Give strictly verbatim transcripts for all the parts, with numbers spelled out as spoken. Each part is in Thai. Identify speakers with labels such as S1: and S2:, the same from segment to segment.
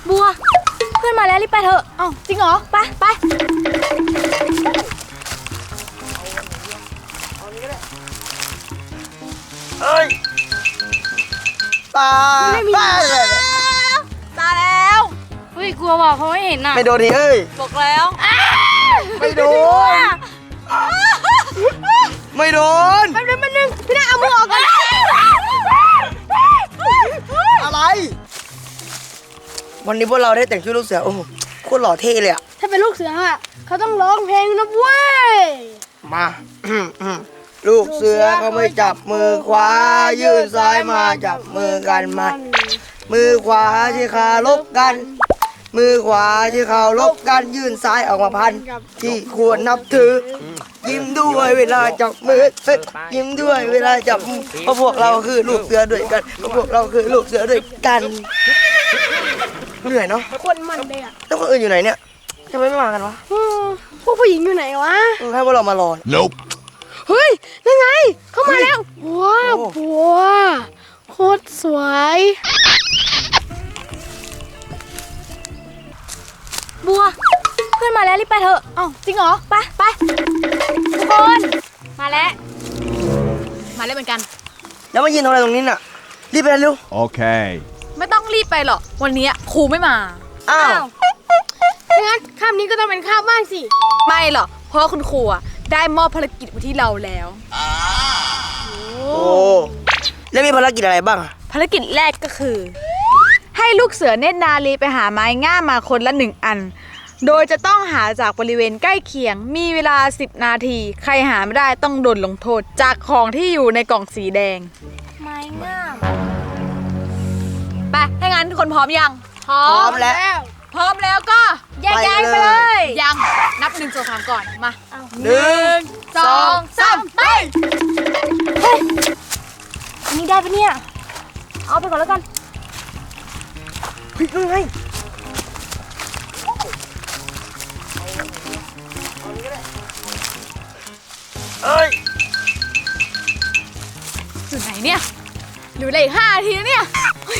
S1: บัวเพื่อนมาแล้วรีบไปเถอะอ้าวจริงเหรอไปไป
S2: เฮ้ยตาตาเลย
S1: ตายแล้วเฮ้ยกลัวว่ะเขาไม่เห็นน่ะ
S2: ไม่โดนดิเอ้ย
S1: บอกแล้ว
S2: ไม่โดนไม่โดน
S1: แป๊บนึงแป๊บนึงพี่ได้เอามือออกก่อน
S2: อะไรวันนี้พวกเราได้แต่งชุดลูกเสือโอ้โหโคตรหล่อเท่เลยอะ
S1: ถ้าเป็นลูกเสืออะเขาต้องร้องเพลงนะเว้ย
S2: มาลูกเสือเขาไม่จับมือขวายื่นซ้ายมาจับมือกันมันมือขวาที่ขาลบกันมือขวาที่เขาลบกันยื่นซ้ายออกมาพันที่ควรนับถือยิ้มด้วยเวลาจับมือยิ้มด้วยเวลาจับมือเพราะพวกเราคือลูกเสือด้วยกันเพราะพวกเราคือลูกเสือด้วยกันเหนื่อยเนาะ
S1: คนมันเลยอะ
S2: แล้วคนอื่นอยู่ไหนเนี่ยทำไมไม่มากันวะ
S1: พวกผู้หญิงอยู่ไหนวะ
S2: ให้พวกเรามารอ
S3: Nope
S1: เฮ้ยนั่นไงเข้ามาแล้วว้าวบัวโคตรสวยบัวเพื่อนมาแล้วรีบไปเถอะอ้าวจริงเหรอไปไปทุกคนมาแล้วมาแล้วเหมือนกัน
S2: แล้วมายืนทำอะไรตรงนี้น่ะรีบไปเร็ว
S3: โอเค
S1: ไม่ต้องรีบไปหรอกวันนี้ครูไม่มา
S2: อ้าว
S1: งั้นคาบนี้ก็ต้องเป็นคาบบ้างสิไม่หรอกเพราะคุณครูได้มอบภารกิจมาที่เราแล้ว
S2: โอ้แล้วมีภารกิจอะไรบ้าง
S1: ภารกิจแรกก็คือให้ลูกเสือเนตรนารีไปหาไม้ง่ามมาคนละหนึ่งอันโดยจะต้องหาจากบริเวณใกล้เคียงมีเวลาสิบนาทีใครหาไม่ได้ต้องโดนลงโทษจากของที่อยู่ในกล่องสีแดงไม้ง่ามไปถ้างั้นทุกคนพร้อมยัง
S2: พร้อมแล้ว
S1: พร้อมแล้วก็แยกย้ายไปเลยยังนับหนึ่งสองสามก่อนมา
S2: หนึ่ง
S1: สองสามไปเฮ้ยอันนี้ได้ปะเนี่ยเอาไปก่อนแล้วกัน
S2: เฮ้ยยังไงเอ้ย
S1: สุดไหนเนี่ยเหลืออีกห้านาทีแล้วเนี่ย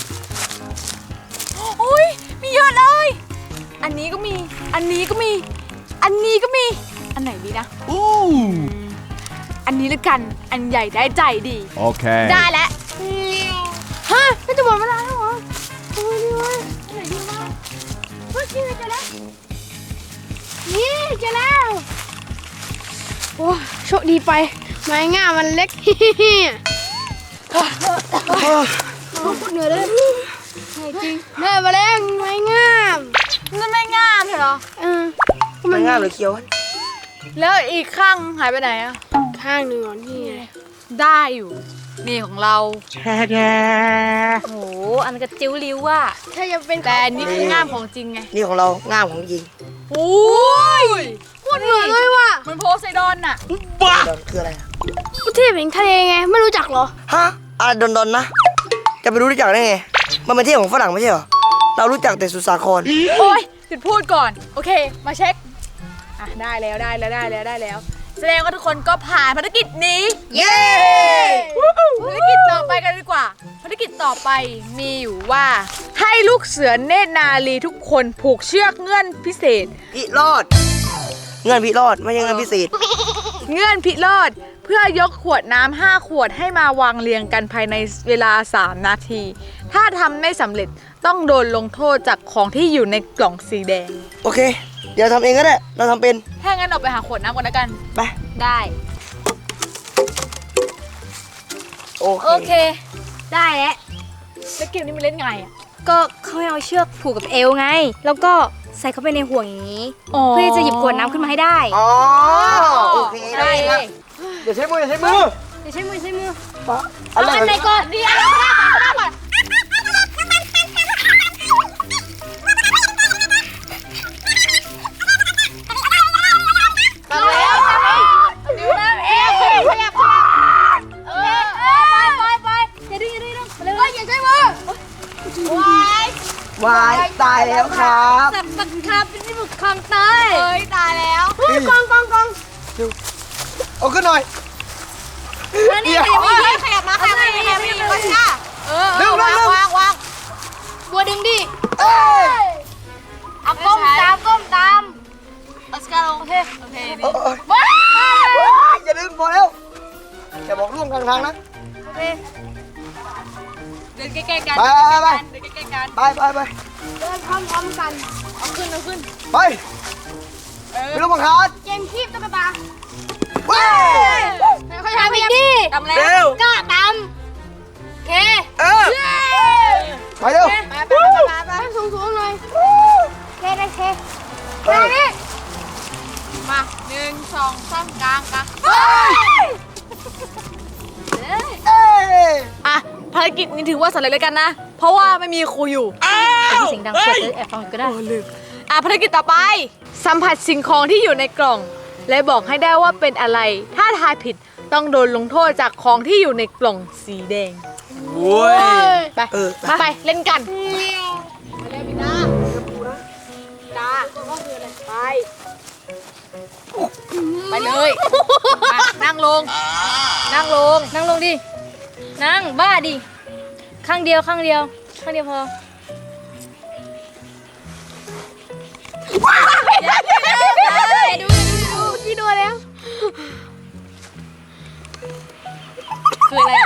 S1: โอ้ยมีเยอะเลยอันนี้ก็มีอันนี้ก็มีอันนี้ก็มีอันไหนดีนะ
S3: อู้
S1: อันนี้ละกันอันใหญ่ได้ใจดี
S3: โอเค
S1: ได้แล้วฮะไม่จะหมดเวลาแล้วเหรอโอ้ยดีวะอันไหนดีวะเฮ้ยนี่เจอแล้วนี่เจอแล้วโอ้โชคดีไปไม้ง่ามันเล็กเฮ้ยเหนื่อยเลยจริงเหนื่อยมาแล้วไม้ง่ามนั่นไม่ง่ามเหรอเออ
S2: มันง่ามหรือเคี้ยว
S1: แล้วอีกข้างหายไปไหนอ่ะข้างหนึ่งอ่ะนี่ไงได้อยู่นี่ของเรา
S2: แช่แช่
S1: โหอันกระจิ้วริ้วว่ะถ้าจะเป็นแต่นี่คือง่ามของจริงไง
S2: นี่ของเราง่ามของจริง
S1: โอ้ยพูดเหมือนเลยว่ะมันโพไซดอนน่ะ
S2: บ้าคืออะไร
S1: ประเทศเป็นทะเลไงไม่รู้จักเหรอ
S2: ฮะอะไรดอนดอนนะจะไปรู้จักได้ไงมันเป็นเที่ยวของฝรั่งไม่ใช่เหรอเรารู้จักแต่สุสาคร
S1: โอ้ยหยุดพูดก่อนโอเคมาเช็คอ่ะได้แล้วได้แล้วได้แล้วได้แล้วแสดงว่าทุกคนก็ผ่านภารกิจนี้
S2: เย้
S1: ภารกิจต่อไปกันดีกว่าภารกิจต่อไปมีอยู่ว่าให้ลูกเสือเนตรนารีทุกคนผูกเชือกเงื่อนพิเศษ
S2: พิรอดเงื่อนพิรอดไม่ใช่เงื่อนพิเศษ
S1: เงื่อนพิรอดเพื่อยกขวดน้ำห้าขวดให้มาวางเรียงกันภายในเวลาสามนาทีถ้าทำไม่สำเร็จต้องโดนลงโทษจากของที่อยู่ในกล่องสีแดง
S2: โอเคเดี๋ยวทำเองก็ได้เราทำเป็น
S1: ถ้างั้นออกไปหาขวดน้ำก่อนแล้วกัน
S2: ไป
S1: ได้
S2: โอเค
S1: โอเคได้แล้วแล้วเกมนี้มันเล่นไงอ่ะก็เขาให้เอาเชือกผูกกับเอวไงแล้วก็ใส่เข้าไปในห่วงอย่างนี้เพื่อจะหยิบขวดน้ำขึ้นมาให้ได้
S2: อ๋อโอเคได้ครับเดี๋ยวใช้มือเดี๋ยวใช้มือ
S1: เดี๋ยวใช้มือใช้มือ
S2: เอาอัน
S1: ไหนก่อนดีเอาอันไหนก่อน
S2: วายตายแล้วครับ
S1: สักสักครับเป็นที่บุกคลองเตยเฮ้ยตายแล้วกองกองกอง
S2: เอาขึ้นหน่อย
S1: นี่ขยับขยับมาขยับมาขยับมาขยับมาเออวางวางวางบัวดึงดิ
S2: เอ้ย
S3: เอาก้มตามก้มตาม
S1: ออสการ์ลงโอเคโอเค
S2: เอ้
S1: ดี
S2: ยเอ้ย
S3: ว้า
S2: อย่าลืมพอแล้วอย่าบอกร่วมกลางทางนะ
S3: โอเค
S1: เดินใกล้ๆกัน
S2: ไปไป
S1: เดินใกล้ๆกัน
S2: ไปไปไป
S3: เดินพร้อมๆกัน
S1: เอาขึ้นเอาขึ้น
S2: ไปไม่ต้องบังคับ
S3: เกมคีบตุ๊กตา
S2: เว้ย
S3: ค่อยๆทำอีกดิ
S1: ตำแล้ว
S2: เร็ว
S3: กล้าตามโอเค
S2: เออไปเร็ว
S1: ไปไปไปไปไป
S3: ให้สูงๆหน่อยเคได้เคมาดิ
S1: มาหนึ่งสองสามกลางกลาง
S2: เอ้ย
S1: อ่ะภารกิจนี้ถือว่าสำเร็จแล้วกันนะ เพราะว่าไม่มีครูอยู่เสียงดังเปิดจะแอบฟังก็ได้อ่ะภารกิจต่อไป สัมผัสสิ่งของที่อยู่ในกล่อง และบอกให้ได้ว่าเป็นอะไร ถ้าทายผิดต้องโดนลงโทษจากของที่อยู่ในกล่องสีแดง
S2: โว้ย
S1: ไป
S2: เออ
S1: มาไปเล่นกัน ไปเลยมานั่งลง นั่งลง
S3: นั่งลงดิ นั่งบ้าดิ ข้างเดียวข้างเดียว ข้างเดียวพอ
S1: ดูดูดูพี่ดูแล้ว คืออะไร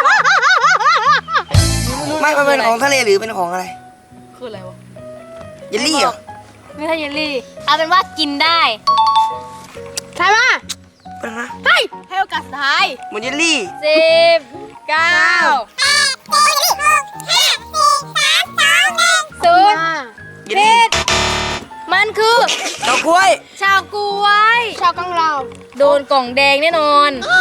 S2: ไม่มันเป็นของทะเลหรือเป็นของอะไร
S1: คืออะไรวะ
S2: เยลลี่เหรอ
S3: ไม่ใช่เยลลี่ เอาเป็นว่ากินได้ใช่ปะ
S2: เป็นนะ
S1: เฮ้ยให้โอกาสสุดท้าย
S2: เหมือนเยลลี่
S3: สิบ
S1: เก้า
S3: ศูนย์
S2: เยลลี่
S3: มันคือ
S2: ดอกกล้วย
S3: ชาวกล้วย ชาวกังเราโดนกล่องแดงแน่นอน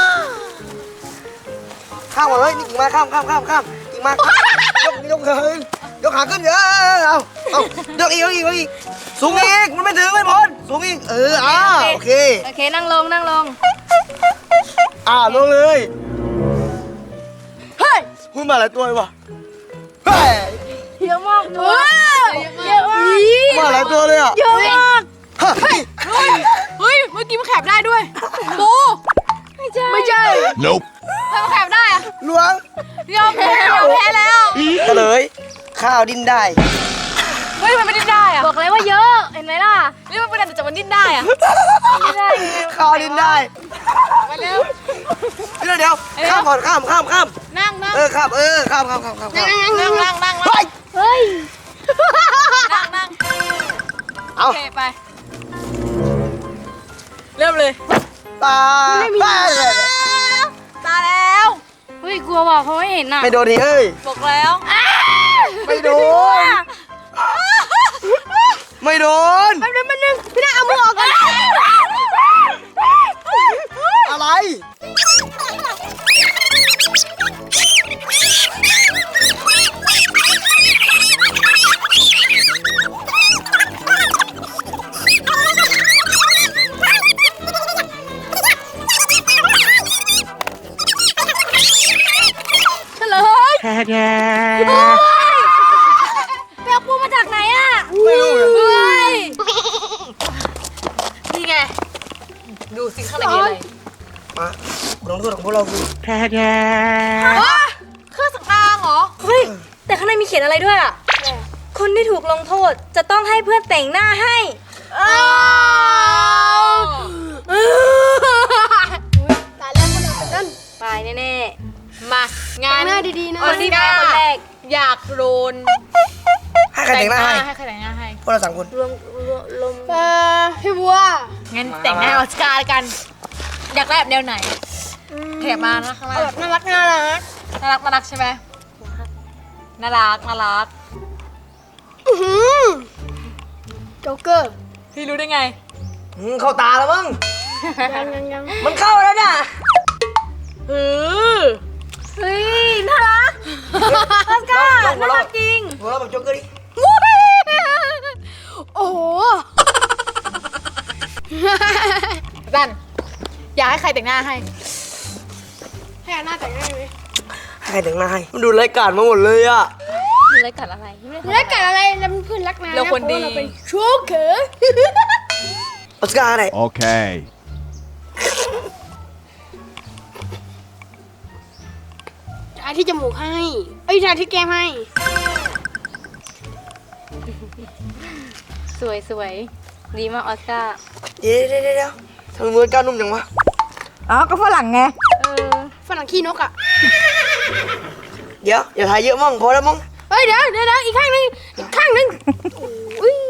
S2: ข้ามหมดเลยนี่กิ่งมาข้ามข้ามข้ามข้ามกิ่งมายกยกขึ้นยกขาขึ้นเยอะเอาเอายกอีกยกอีกยกอีกสูงอีกมันไม่ถึงไม่พ้นสูงอีกเอออ่าโอเค
S3: โอเค นั่งลงนั่งลง
S2: อ่าลงเลยเฮ้ยคุณมาหลายตัวเลยวะเฮ้ย
S3: เยอะมากตัวเยอะมาก
S2: มาหลายตัวเลยอ่ะ
S3: เยอะมาก
S2: เฮ้ย
S1: เฮ้ย เมื่อกี้มันแคบได้ด้วยปู
S3: ไม่ใช่
S1: ไม่ใช่
S4: Nope.
S1: ทำไมมันแคบได้อะ
S2: หลวง
S1: ยอมแพ้ยอมแพ้แล้ว
S2: เฉลยข้าวดิ้นได้
S1: เฮ้ย มันไม่ดิ้นได้อะ
S3: บอกเลยว่าเยอะเห็นไหมล่ะ
S1: นี่มันเป็นอะไรแต่มันดิ้นได้อะ
S3: ไม่ได้
S2: ข้าวดิ้นได้
S1: ไปเร็ว
S2: เดี๋ยวเดี๋ยวข้ามก่อนข้ามข้ามข้าม
S1: นั่งนั่ง
S2: เออข้ามเออข้ามข้ามข้ามข้ามข้าม
S1: นั่งนั่งนั่ง
S2: เฮ้ย
S3: เฮ้ย
S1: นั่งนั่ง
S2: เอา
S1: โอเคไป เริ่มเลย
S2: ตาไป
S1: ตาแล้ว
S3: เฮ้ยกลัวว่ะเขาไม่เห็นน่ะ
S2: ไม่โดนดิเอ้ย
S1: บอกแล้ว
S2: ไม่โดน ไม่โดน
S1: แป๊บนึงแป๊บนึงพี่นาเอามือออกก่อน
S2: อะไร
S3: เฉลยเปียกปูมาจากไหนอ่ะ
S2: ไม่รู้เหรอ
S3: เฮ้ย
S1: นี่ไง ดูสิข้างในมีอะไร
S2: มาลงโทษของพวกเราคือ
S1: อ๋อเครื่องสำอางเหรอ
S3: เฮ้ย แต่ข้างในมีเขียนอะไรด้วยอ่ะ คนที่ถูกลงโทษจะต้องให้เพื่อนแต่งหน้าให้
S1: อ้าว
S3: ตายแล้วคนอื่นเป็นต้นไปแน่
S1: มางาน
S3: หน้าดีๆนะ
S1: ออสการ์
S3: คนแรก
S1: อยากโดน
S2: ให้ใครแต่งหน้าให้
S1: ให้ใครแต่งหน้าให้
S2: พวกเราสามคน
S3: รวมรวมลมเออพี่บัว
S1: งั้นแต่งหน้าให้ออสการ์กัน อยากได้แบบแนวไหนแถบมานะข้างล่าง
S3: แบบน่ารักน่ารัก
S1: น่ารักน่ารักใช่ไหมน่ารักน่ารัก
S3: โจ๊กเกอร์
S1: พี่รู้ได้ไง
S2: อืมเข้าตาแล้วมั้ง
S3: ยังยังยัง
S2: มันเข้าแล้วน่ะ
S1: เออ
S3: เฮ้ย น่ารักออสการ์น่ารักจริง
S2: หัวเราะแบบโจ๊กเกอร์ดิ
S1: โอ้โหดันอยากให้ใครแต่งหน้าให้
S3: ให้หน้าแต่งได้ไหม
S2: ให้ใครแต่งหน้าให้ มันดูรายการมาหมดเลยอ่ะ
S3: มีรายการอะไรรายการอะไรแล้วเพื่อนรักนะ
S1: เราคนดี
S3: โจ๊กเกอร์
S2: ออสการ์อะไร
S4: Okay.
S3: ทาที่จมูกให้ เอ้ยทาที่แก้มให้สวยสวยดีมากออสการ์
S2: เดี๋ยวเดี๋ยวเดี๋ยวเดี๋ยวทำไมมือก้าวนุ่มจังวะ
S1: อ๋อก็ฝรั่งไง
S3: เออฝรั่งขี้นกอ่ะ
S2: เดี๋ยวอย่าถ่ายเยอะมั่งพอแล้วมั่ง
S3: เฮ้ยเดี๋ยวเดี๋ยวเดี๋ยวอีกข้างหนึงอีกข้างหนึงอุ้ย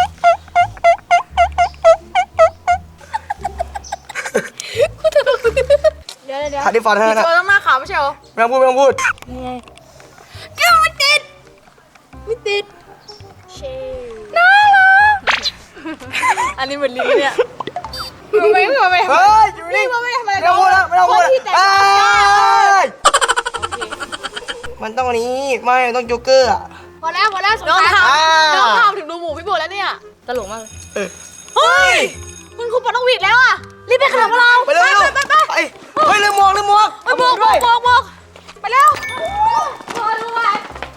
S3: เดี๋ยวเดี๋ยวเดี๋ยว
S2: ถ่ายที่ฟันเท่านั้นนะ
S1: เธอต้องหน้าขาวไม่ใช่เหรอ
S2: ไม่ต้องพูดไม่ต้องพูด
S3: นี่ไงเอ้าไม่ติดไม่ติดเชน่ารัก
S1: อันนี้เหมือนลิงเนี่ยไม่ไม่ไม่ไม่
S2: เฮ้ยอยู่นี่
S1: ไม่ไม่ทำอะไร
S2: ไม่ต้องพูดแล้วไม่ต้องพูด
S1: คนที่แต่ง
S2: เอ้
S1: ตัว
S2: ยมันต้องอันนี้ไม่มันต้องโจ๊กเกอร์อะ
S1: พอแล้วพอแล้วสง
S2: น้อง
S1: สาร
S2: ทำ
S1: น้องทำถึงดูหมูพี่โบแล้วเนี่ย
S3: ตลกมากเลย
S2: เออ
S1: เฮ้ยคุณครูปอนกหวีดแล้วอ่ะรีบไปขนมเรา
S2: ไปเร็ว
S1: ไป
S2: เร็ว
S1: ไปไป
S2: ไปเฮ้ยลืมหมวกลืมหมวก
S1: ไปโบกโบกโบกโบกไปแล้ว